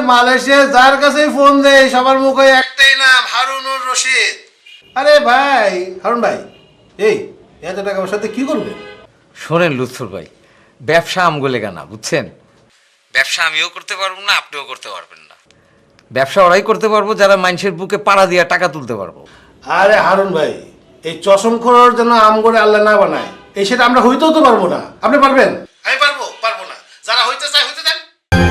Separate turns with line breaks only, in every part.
Malaysia যার কাছেই phone দেয় সবার মুখে একটাই নাম, হারুনুর রশিদ। আরে ভাই হারুন ভাই, এই এত টাকা আমার সাথে কি করবেন?
শোনেন লুৎফর ভাই, ব্যবসা আমগুলে না, বুঝছেন? ব্যবসা আমিও করতে পারবো না, আপনিও করতে পারবেন না। ব্যবসা ওরাই করতে পারবো যারা মানুষের বুকে পাড়া দিয়ে টাকা তুলতে পারবো।
আরে হারুন ভাই, এই চশমখোর যেন আম করে আল্লাহ না বানায়, এই সেটা আমরা হইতেও তো পারবো না। আপনি পারবেন? আমি পারবো না। যারা হইতে চায় হইতে দেন।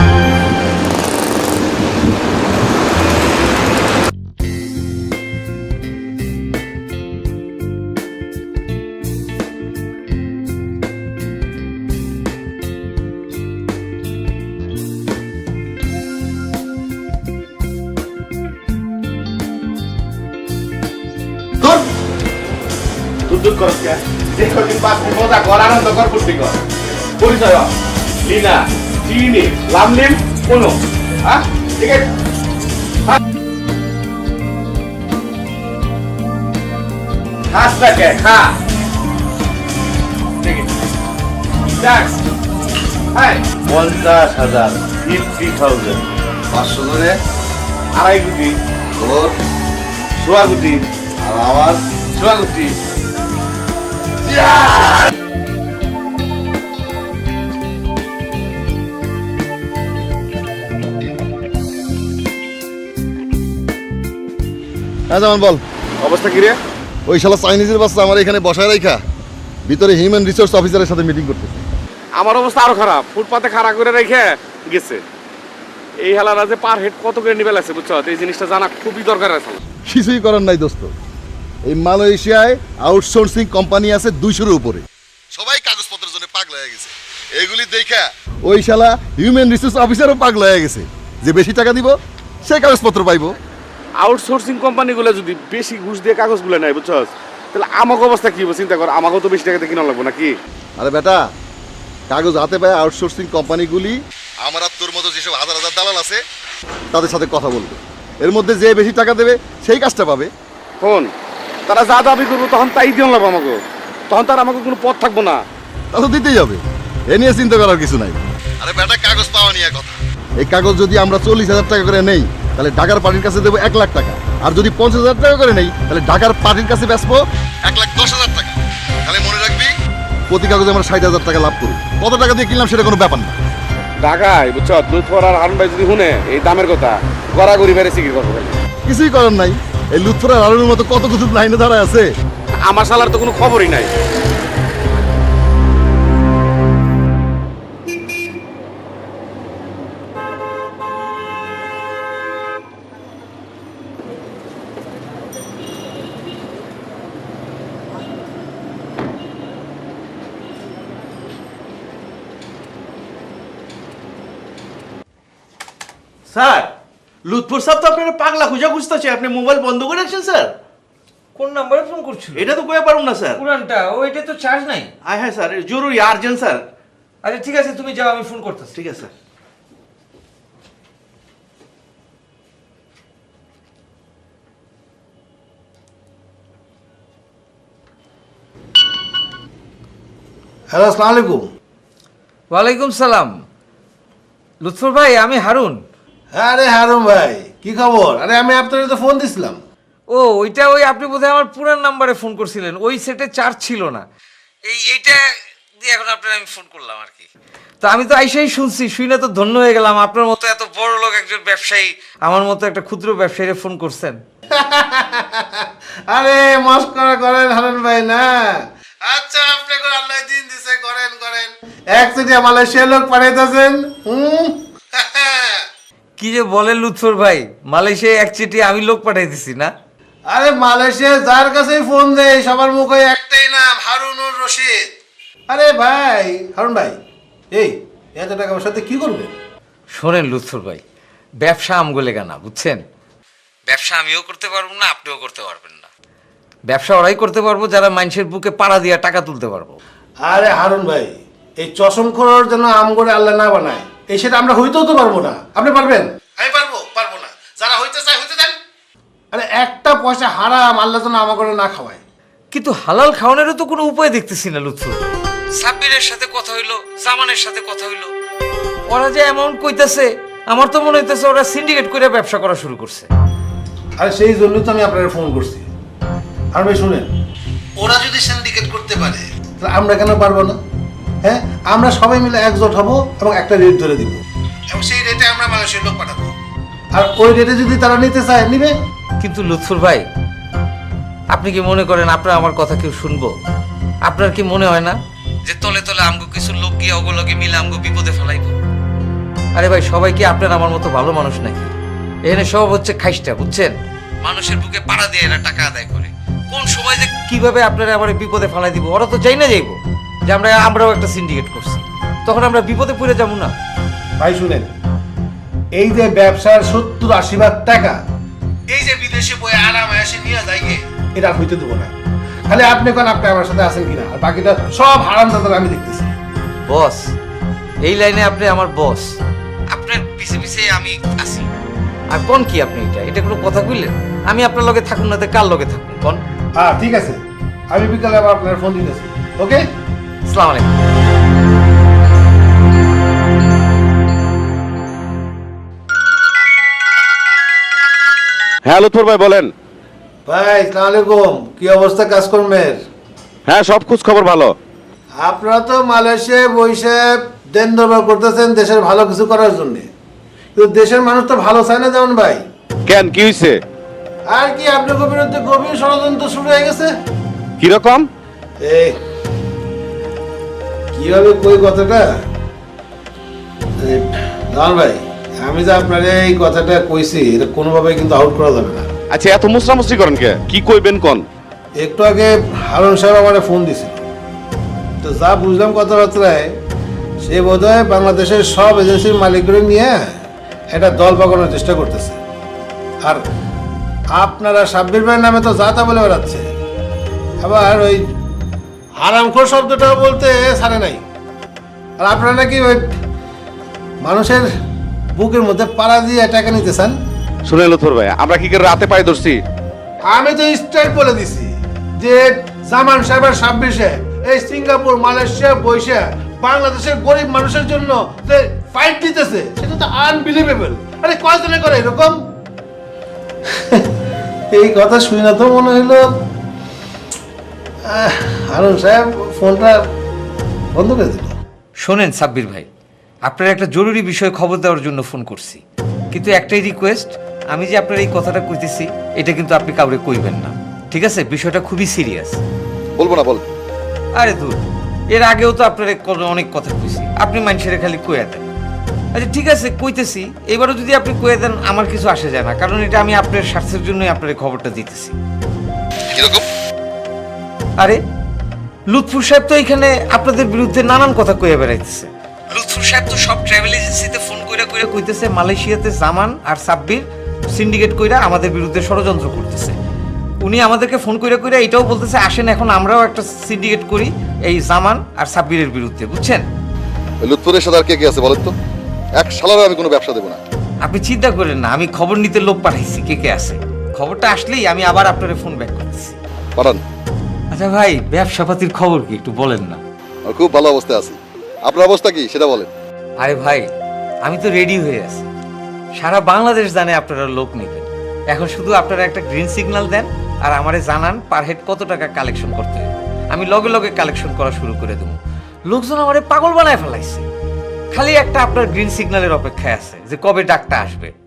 পরিচয় লিনা চিনি লামলিম কোনো হ্যাঁ ঠিক আছে। খাস না কে খা ঠিক আছে। 50,000 50,000 500 ধরে 2.5 কোটি ওর 1.5 কোটি আর আমার 1.5 কোটি।
যেমন বল
অবস্থা কি রে?
ওই শালা চাইনিজের বাচ্চা আমার এখানে বসায় রাখা ভিতরে হিউম্যান রিসোর্স অফিসারের সাথে মিটিং করতেছে।
আমার অবস্থা আরো খারাপ, ফুটপাতে খাড়া করে রেখে গেছে। এই হেলারা যে পার হেড কত করে নিবে লাগছে বুঝছো, এই জিনিসটা জানা খুবই দরকার আছে।
কিছুই করার নাই দোস্ত, এই মালয়েশিয়ায় আউটসোর্সিং কোম্পানি আছে 200-এর উপরে, সবাই কাগজপত্রের জন্য পাগল হয়ে গেছে। এগুলি দেখা ওই শালা হিউম্যান রিসোর্স অফিসারও পাগল হয়ে গেছে যে বেশি টাকা দিব সে কাগজপত্র পাইবো।
আউটসোর্সিং কোম্পানিগুলো যদি বেশি ঘুষ দিয়ে কাগজগুলো নেয় বুঝছো, তাহলে আমাকে অবস্থা কি হবে চিন্তা কর। আমাকেও তো বেশি টাকাতে কিনা লাগবো নাকি?
আরে বেটা, কাগজ হাতে পায় আউটসোর্সিং কোম্পানিগুলি আমার আর তোর মতো যেসব হাজার হাজার দালাল আছে তাদের সাথে কথা বলবে, এর মধ্যে যে বেশি টাকা দেবে সেই কাজটা পাবে।
কোন তারা যা দাবি করবো তখন তাই দিয়ে লাগবো আমাকে, তখন তার আমাকে কোনো পথ থাকবো না।
তা তো দিতেই হবে, এ নিয়ে চিন্তা করার কিছু নাই। আরে বেটা, কাগজ পাওয়া নিয়ে কথা। এই কাগজ যদি আমরা 40,000 টাকা করে নেই তাহলে ঢাকার পার্টির কাছে দেবো 1 লাখ টাকা, আর যদি 50,000 টাকা করে নেই তাহলে ঢাকার পার্টির কাছে বেচবো 1,10,000 টাকা। তাহলে মনে রাখবি প্রতি কাগজে আমরা 60,000 টাকা লাভ করব। কত টাকা দিয়ে কিনলাম সেটা কোনো ব্যাপার না।
ঢাকায় বুঝছো লুৎফর আর হারুন ভাই যদি শুনে এই দামের কথা গড়াগড়ি বেড়ে সিকির করবো।
কিছুই করার নাই, এই লুৎফর আর হারুনের মতো কত কিছু লাইনে দাঁড়ায় আছে।
আমার শালার তো কোনো খবরই নাই।
স্যার, লুৎফর সাহেব তো আপনার পাগলা খুঁজা খুঁজতেছে, আপনি মোবাইল বন্ধ করে রাখছেন স্যার।
কোন নাম্বারে ফোন করছিল?
এটা তো কয়ে পারুন না স্যার।
পুরানটা, ও এটা তো চার্জ নাই।
হ্যাঁ স্যার, জরুরি আর্জেন্ট স্যার।
আচ্ছা ঠিক আছে, তুমি যাও, আমি ফোন করতেছি।
ঠিক আছে স্যার।
হ্যালো, আসসালামু আলাইকুম।
ওয়ালাইকুম সালাম। লুৎফর ভাই, আমি হারুন।
আরে হারুন ভাই, কি খবর? আরে আমি আপনার তো ফোন দিছিলাম।
ও ওইটা, ওই আপনি বোধহয় আমার পুরান নাম্বারে ফোন করছিলেন, ওই সেটে চার্জ ছিল না। এইটা দিয়ে এখন আপনার আমি ফোন করলাম আর কি। তো আমি তো আইসাই শুনছি, শুনে তো ধন্য হয়ে গেলাম। আপনার মতো এত বড় লোক একজন ব্যবসায়ী আমার মতো একটা ক্ষুদ্র ব্যবসায়ীরে ফোন করছেন।
আরে মস্করা করেন হারুন ভাই না। আচ্ছা, আপনি কোন আল্লাহ দিন দিছে, করেন করেন। একচেটিয়া মালয়েশিয়া লোক পাঠাইতেছেন।
কি যে বলেন লুৎফর ভাই, মালয়েশিয়ায় একচেটি আমি লোক পাঠাই দিছি না?
আরে মালয়েশিয়া যার কাছেই ফোন দেয় সবার মুখে একটাই নাম, হারুনুর রশিদ। আরে ভাই হারুন ভাই, এই এত টাকা আমার সাথে কি করবেন?
শোনেন লুৎফর ভাই, ব্যবসা আমগুলে না, বুঝছেন? ব্যবসা আমিও করতে পারবো না, আপনিও করতে পারবেন না। ব্যবসা ওরাই করতে পারবো যারা মানুষের বুকে পাড়া দিয়ে টাকা তুলতে পারবো।
আরে হারুন ভাই, এই চশমখোর যেন আম করে আল্লাহ না বানায়, এই সেটা আমরা হইতেও তো পারবো না। আপনি পারবেন? আমি পারবো না। যারা হইতে চায় হইতে দেন। আরে একটা পয়সা হারাম আল্লাহ যেন আমা করে না খাওয়ায়।
কিন্তু হালাল খাওয়ানোরও তো কোনো উপায় দেখতেছি না লুৎফর। সাব্বিরের সাথে কথা হইলো, জামানের সাথে কথা হইলো, ওরা যে অ্যামাউন্ট কইতাছে আমার তো মনে হইতেছে ওরা সিন্ডিকেট করে ব্যবসা করা শুরু করছে।
আর সেই জন্যই তো আমি আপনাকে ফোন করছি। আর ভাই শুনেন, ওরা যদি সিন্ডিকেট করতে পারে তাহলে আমরা কেন পারবো না? হ্যাঁ, আমরা সবাই মিলে একজোট হব এবং একটা রেট ধরে দিব, এবং সেই রেটে আমরা মানুষের লোক পাঠাবো। আর ওই রেটে যদি তারা নিতে চায় নিবে।
কিন্তু লুৎফর ভাই, আপনি কি মনে করেন আপনার আমার কথা কেউ শুনবো? আপনার কি মনে হয় না যে তলে তলে আমগো কিছু লোক গিয়ে ওগুলোকে মিলে আমগো বিপদে ফেলাইব? আরে ভাই, সবাই কি আপনার আমার মতো ভালো মানুষ নাকি? এখানে সব হচ্ছে খাইস্টা, বুঝছেন? মানুষের বুকে পাড়া দিয়ে এরা টাকা আদায় করে। কোন সময় যে কিভাবে আপনারা আমার বিপদে ফেলাই দিব ওরা তো চাই না যাইবো যে আমরাও একটা সিন্ডিকেট করছি, তখন আমরা বিপদে পড়ে যাবো না?
ভাই শুনেন, এই যে ব্যবসার 70-80 টাকা এই যে বিদেশে বই আরামে এসে নিয়ে যায় গে, এটা আর হইতে দেবো না। খালি আপনি কোন আপনি আমার সাথে আছেন কিনা, আর বাকিটা সব হারাম দাদা আমি দেখতেছি।
বস, এই লাইনে আপনি আমার বস, আপনার পিছে পিছে আমি আছি। আর কোন কি আপনি এটা কোনো কথা কইলেন? আমি আপনার লগে থাকুন না তো কার লগে থাকুন কোন?
হ্যাঁ ঠিক আছে, আমি বিকালে আবার আপনার ফোন দিতেছি। ওকে,
আসসালামু আলাইকুম।
হ্যাঁ লুৎফর ভাই বলেন।
ভাই আসসালামু আলাইকুম। কি অবস্থা কাজকর্মের?
হ্যাঁ সব খোঁজ খবর ভালো।
আপনারা তো মালয়েশিয়ায় বসে দেন দরবার করতেছেন দেশের ভালো কিছু করার জন্য, কিন্তু দেশের মানুষ তো ভালো চায় না যেমন ভাই।
কেন, কি হয়েছে?
আর কি, আপনার বিরুদ্ধে গভীর ষড়যন্ত্র শুরু হয়ে গেছে।
কিরকম?
এই কিভাবে কই কথাটা, জান ভাই, আমি যে আপনার এই কথাটা কইছি এটা কোনোভাবে কিন্তু আউট করা যাবে না।
আচ্ছা এত মুসরামুসরি করেন কে? কি কইবেন কোন?
একটু আগে হারুন সাহেব আমার ফোন দিছিল, তো যা বুঝলাম কথাবার্তায় সে বোধহয় বাংলাদেশের সব এজেন্সির মালিকগুলো নিয়ে একটা দল পাকানোর চেষ্টা করতেছে। আর আপনারা সাব্বির ভাইয়ের নামে তো যা তা বলে বেড়াচ্ছে, আবার ওই হারামখোর শব্দটাও বলতে ছাড়ে নাই। আর আপনারা নাকি ওই মানুষের বুকের মধ্যে পাড়া দিয়ে টাকা নিতে চান।
শুনে লুৎফর ভাই, আমরা কি করে রাতে পাই ধরছি?
আমি তো স্ট্রেট বলে দিছি যে জামান সাহেব আর সাব্বির সাহেব এই সিঙ্গাপুর মালয়েশিয়া বৈশা বাংলাদেশের গরিব মানুষের জন্য যে ফাইট দিতেছে সেটা তো আনবিলিভেবল। আরে কয়জনে করে এরকম? এই কথা শুনে না তো মনে হইলো হারুন সাহেব ফোনটা বন্ধ করে দিল।
শোনেন সাব্বির ভাই, আপনার একটা জরুরি বিষয়ে খবর দেওয়ার জন্য ফোন করছি, কিন্তু একটাই রিকোয়েস্ট, আমি যে আপনার এই কথাটা কইতেছি এটা কিন্তু আপনি কাউরে কইবেন না, ঠিক আছে? বিষয়টা খুবই সিরিয়াস।
বলবো না, বল।
আরে দূর, এর আগেও তো আপনার অনেক কথা কইছি, আপনি মানুষের খালি কইয়া দেন। আচ্ছা ঠিক আছে, কইতেছি, এবারও যদি আপনি কইয়া দেন আমার কিছু আসে যায় না, কারণ এটা আমি আপনার স্বার্থের জন্যই আপনার এই খবরটা দিতেছি।
কিরকম?
আরে লুৎফুর সাহেব তো এখানে আপনাদের বিরুদ্ধে নানান কথা কইয়া বেড়াইতেছে। লুৎফুর সাহেব তো সব ট্রাভেল এজেন্সিতে ফোন কইরা কইতেছে মালয়েশিয়াতে জামান আর সাব্বির সিন্ডিকেট কইরা আমাদের বিরুদ্ধে ষড়যন্ত্র করতেছে। উনি আমাদেরকে ফোন কইরা এটাও বলতেছে আসেন এখন আমরাও একটা সিন্ডিকেট করি এই জামান আর সাব্বিরের বিরুদ্ধে, বুঝছেন?
লুৎফুরের সাথে আর কে কে আছে বলেন তো? এক শালারও আমি কোনো ব্যবসা দেবো না।
আপনি চিন্তা করেন না, আমি খবর নিতে লোক পাঠাইছি, কে আছে। খবরটা আসলেই আমি আবার আপনার ফোন ব্যাক করতেছি।
পাঠান।
আচ্ছা ভাই, ব্যবসাপাতির খবর কি একটু বলেন না?
আর খুব ভালো অবস্থায় আছি। আপনার অবস্থা কি সেটা বলেন।
আরে ভাই, আমি তো রেডি হয়ে আছি, সারা বাংলাদেশ জানে আপনারা লোক নেবেন। এখন শুধু আপনারা একটা গ্রিন সিগন্যাল দেন আর আমারে জানান পার হেড কত টাকা কালেকশন করতে হবে, আমি লগে লগে কালেকশন করা শুরু করে দেবো। লোকজন আমারে পাগল বানায় ফেলাইছে, খালি একটা আপনার গ্রিন সিগন্যালের অপেক্ষায় আছে যে কবে ডাকটা আসবে।